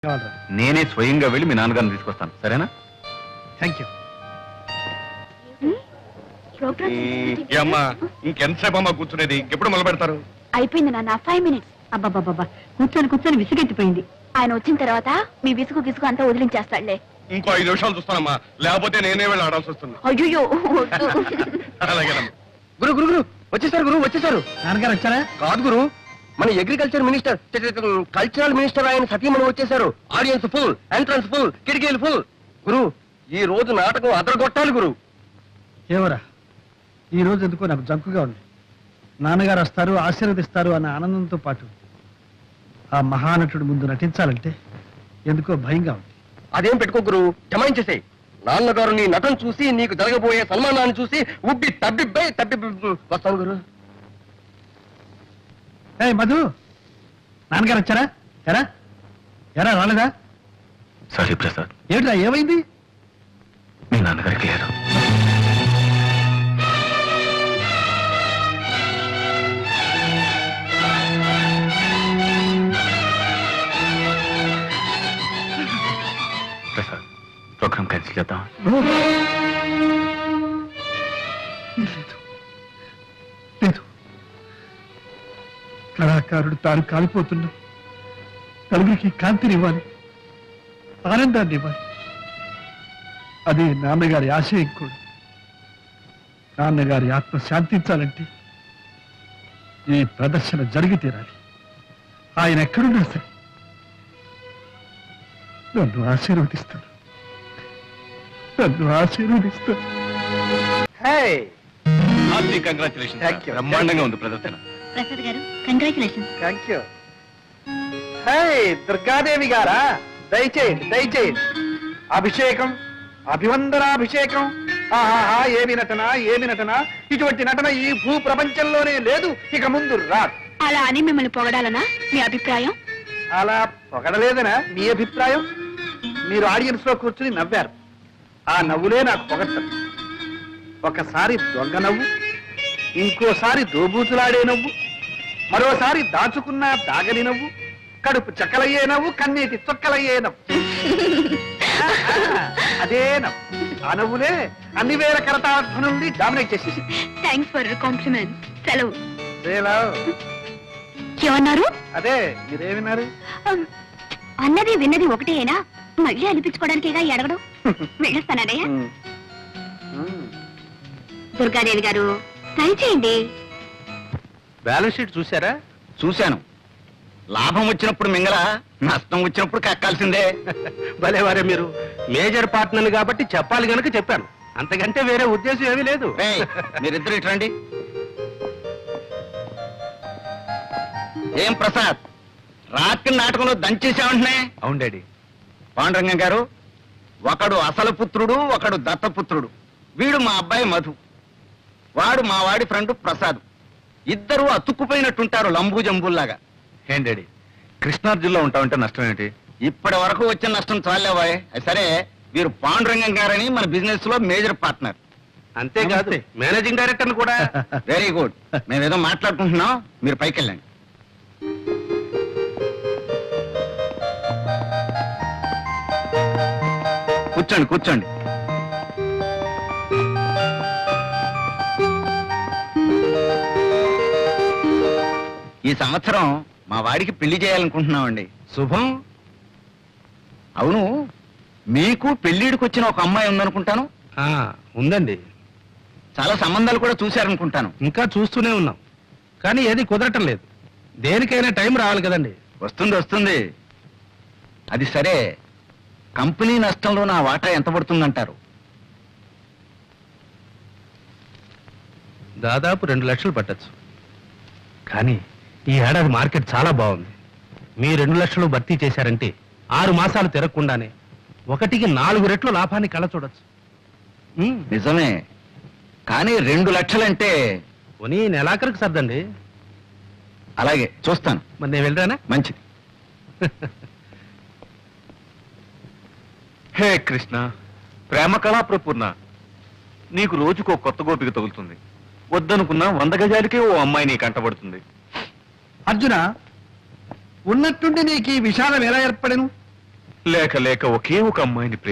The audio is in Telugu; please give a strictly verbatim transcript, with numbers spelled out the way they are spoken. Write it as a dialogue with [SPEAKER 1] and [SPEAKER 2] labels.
[SPEAKER 1] నేనే స్వయంగా వెళ్ళి మీ నాన్నగారిని తీసుకొస్తాను, సరేనా?
[SPEAKER 2] Thank you.
[SPEAKER 3] అమ్మా ఇంకెంతసేపు అమ్మా కూర్చునేది? ఇంకెప్పుడు మొదలు పెడతారు?
[SPEAKER 4] అయిపోయింది నాన్న, ఫైవ్ మినిట్స్.
[SPEAKER 5] అబ్బాబాబా కూర్చొని కూర్చొని విసుగెత్తిపోయింది.
[SPEAKER 4] ఆయన వచ్చిన తర్వాత మీ విసుగు విసుగు అంతా వదిలించేస్తాడులే.
[SPEAKER 3] ఇంకో ఐదు నిమిషాలు చూస్తానమ్మా, లేకపోతే నేనే వెళ్ళి ఆడాల్సి వస్తుంది.
[SPEAKER 4] అయ్యో
[SPEAKER 3] అలాగేనమ్మా.
[SPEAKER 2] గురు గురు గురు వచ్చేసారు, గురు వచ్చేసారు.
[SPEAKER 5] నాన్నగారు వచ్చారా?
[SPEAKER 2] కాదు గురు, మన అగ్రికల్చర్ మినిస్టర్ కల్చరల్ మినిస్టర్ ఆయన సతీమణి వచ్చేసారు. ఆడియన్స్ ఫుల్, ఎంట్రన్స్ ఫుల్, కిటికీలు ఫుల్. గురు ఈ రోజు నాటకం అదరగొట్టాలి గురు.
[SPEAKER 5] ఏమరా ఈ రోజు ఎందుకో నాకు జంకుగా ఉంది. నాన్నగారు వస్తారు, ఆశీర్వదిస్తారు అన్న ఆనందంతో పాటు ఆ మహానటుడి ముందు నటించాలంటే ఎందుకో భయంగా ఉంది.
[SPEAKER 2] అదేం పెట్టుకో గురు, జమాయించేసే. నాన్నగారు నీ నటన చూసి నీకు జరగబోయే సన్మానాన్ని చూసి ఉబ్బి తబ్బిబ్బై తబ్బి వస్తాను గురు.
[SPEAKER 5] ఏ మధు, నాన్నగారు వచ్చారా? ఎరా ఎరా రాలేదా?
[SPEAKER 1] సారీ ప్రసాద్,
[SPEAKER 5] ఏమిటా ఏమైంది?
[SPEAKER 1] మీ నాన్నగారికి లేదు. ప్రసాద్, ప్రోగ్రామ్ క్యాన్సిల్ చేద్దాం.
[SPEAKER 5] లేదు లేదు, కళాకారుడు తాను కాలిపోతున్నా నలుగురికి కాంతినివ్వాలి, ఆనందాన్ని ఇవ్వాలి. అదే నాన్నగారి ఆశయం కూడా. నాన్నగారి ఆత్మ శాంతించాలంటే ఈ ప్రదర్శన జరిగి తీరాలి. ఆయన ఎక్కడున్నా సరే నన్ను ఆశీర్వదిస్తాడు, నన్ను ఆశీర్వదిస్తాడు.
[SPEAKER 3] కంగ్రాచులేషన్.
[SPEAKER 2] Thank you.
[SPEAKER 3] బ్రహ్మాండంగా ఉంది ప్రదర్శన.
[SPEAKER 4] Prasad garu congratulations.
[SPEAKER 2] Thank you. Hey Durgadevi గారా, దయచేయండి దయచేయండి. అభిషేకం, అభివందనాభిషేకం. ఆహాహా, ఏమి నటన ఏమి నటన! ఇటువంటి నటన ఈ భూ ప్రపంచంలోనే లేదు, ఇక ముందు రాదు.
[SPEAKER 4] అలా అని మిమ్మల్ని పొగడాలనా మీ అభిప్రాయం?
[SPEAKER 2] అలా పొగడలేదనా మీ అభిప్రాయం? మీరు ఆడియన్స్ లో కూర్చుని నవ్వారు, ఆ నవ్వులే నాకు పొగడ్తలు. ఒకసారి దొంగ నవ్వు, ఇంకోసారి దోబూతులాడే నవ్వు, మరోసారి దాచుకున్న దాగని నవ్వు, కడుపు చక్కలయ్యే నవ్వు, కన్నీటి చొక్కలయ్యే నవ్వు. అదే నవ్వు, ఆ నవ్వులే అన్ని వేల కరతాధ్వనుల్ని డామినేట్ చేసేసి.
[SPEAKER 4] Thanks for compliment. సెలవు. ఏమన్నారు?
[SPEAKER 2] అదే మీరేమిన్నారు?
[SPEAKER 4] అన్నది విన్నది ఒకటేనా? మళ్ళీ అనిపించుకోవడానికేగా అడగడం. వెళ్ళొస్తానయ్యా. దుర్గాదేవి గారు ట్రై చేయండి.
[SPEAKER 2] బ్యాలెన్స్ షీట్ చూసారా?
[SPEAKER 1] చూశాను. లాభం వచ్చినప్పుడు మింగల, నష్టం వచ్చినప్పుడు కక్కాల్సిందే.
[SPEAKER 2] భలేవారే మీరు. మేజర్ పార్ట్నర్ కాబట్టి చెప్పాలి గనక చెప్పాను, అంతకంటే వేరే ఉద్దేశం ఏమీ లేదు.
[SPEAKER 1] ఏయ్, మీరిద్దరు ఇటు రండి. ఏం ప్రసాద్, రాత్రి నాటకంలో దంచేసామంటున్నా?
[SPEAKER 3] అవును డాడీ.
[SPEAKER 1] పాండురంగం గారు, ఒకడు అసలు పుత్రుడు, ఒకడు దత్తపుత్రుడు. వీడు మా అబ్బాయి మధు, వాడు మా వాడి ఫ్రెండ్ ప్రసాద్. ఇద్దరు అతుక్కుపోయినట్టుంటారు, లంబూ జంబుల్లాగా.
[SPEAKER 3] ఏం డాడీ, కృష్ణార్జున్లో ఉంటామంటే నష్టం ఏంటి?
[SPEAKER 1] ఇప్పటి వరకు వచ్చిన నష్టం చాలేవాయ్. సరే, వీరు పాండురంగం గారని మన బిజినెస్ లో మేజర్ పార్ట్నర్.
[SPEAKER 2] అంతేకాదు మేనేజింగ్ డైరెక్టర్ కూడా.
[SPEAKER 1] Very good. మేమేదో మాట్లాడుకుంటున్నాం, మీరు పైకి వెళ్ళండి. కూర్చోండి కూర్చోండి. ఈ సంవత్సరం మా వాడికి పెళ్లి చేయాలనుకుంటున్నామండి.
[SPEAKER 2] శుభం.
[SPEAKER 1] అవును, మీకు పెళ్లిడికి వచ్చిన ఒక అమ్మాయి ఉందనుకుంటాను.
[SPEAKER 2] ఉందండి,
[SPEAKER 1] చాలా సంబంధాలు కూడా చూశారనుకుంటాను.
[SPEAKER 2] ఇంకా చూస్తూనే ఉన్నాం, కానీ ఏది కుదరటం లేదు. దేనికైనా టైం రావాలి కదండి.
[SPEAKER 1] వస్తుంది వస్తుంది. అది సరే, కంపెనీ నష్టంలో నా వాటా ఎంత పడుతుందంటారు?
[SPEAKER 2] దాదాపు రెండు లక్షలు పట్టచ్చు. కానీ ఈ ఏడాది మార్కెట్ చాలా బాగుంది. మీ రెండు లక్షలు భర్తీ చేశారంటే ఆరు మాసాలు తిరగకుండానే ఒకటికి నాలుగు రెట్లు లాభాన్ని కళ చూడొచ్చు.
[SPEAKER 1] నిజమే, కానీ రెండు లక్షలంటే
[SPEAKER 2] పోనీ నెలాఖరికి సర్దండి.
[SPEAKER 1] అలాగే చూస్తాను.
[SPEAKER 2] మరి నేను వెళ్ళరానా?
[SPEAKER 1] మంచిది.
[SPEAKER 3] హే కృష్ణ, ప్రేమ కళా ప్రపూర్ణ, నీకు రోజుకో కొత్త గోపిక తగులుతుంది. వద్దనుకున్నా వంద గజాలకే ఓ అమ్మాయి నీ కంటబడుతుంది.
[SPEAKER 5] అర్జున, ఉన్నట్టుండి నీకు ఈ విషాదం ఎలా ఏర్పడను?
[SPEAKER 3] లేక లేక ఒకే ఒక అమ్మాయిని ప్రేమ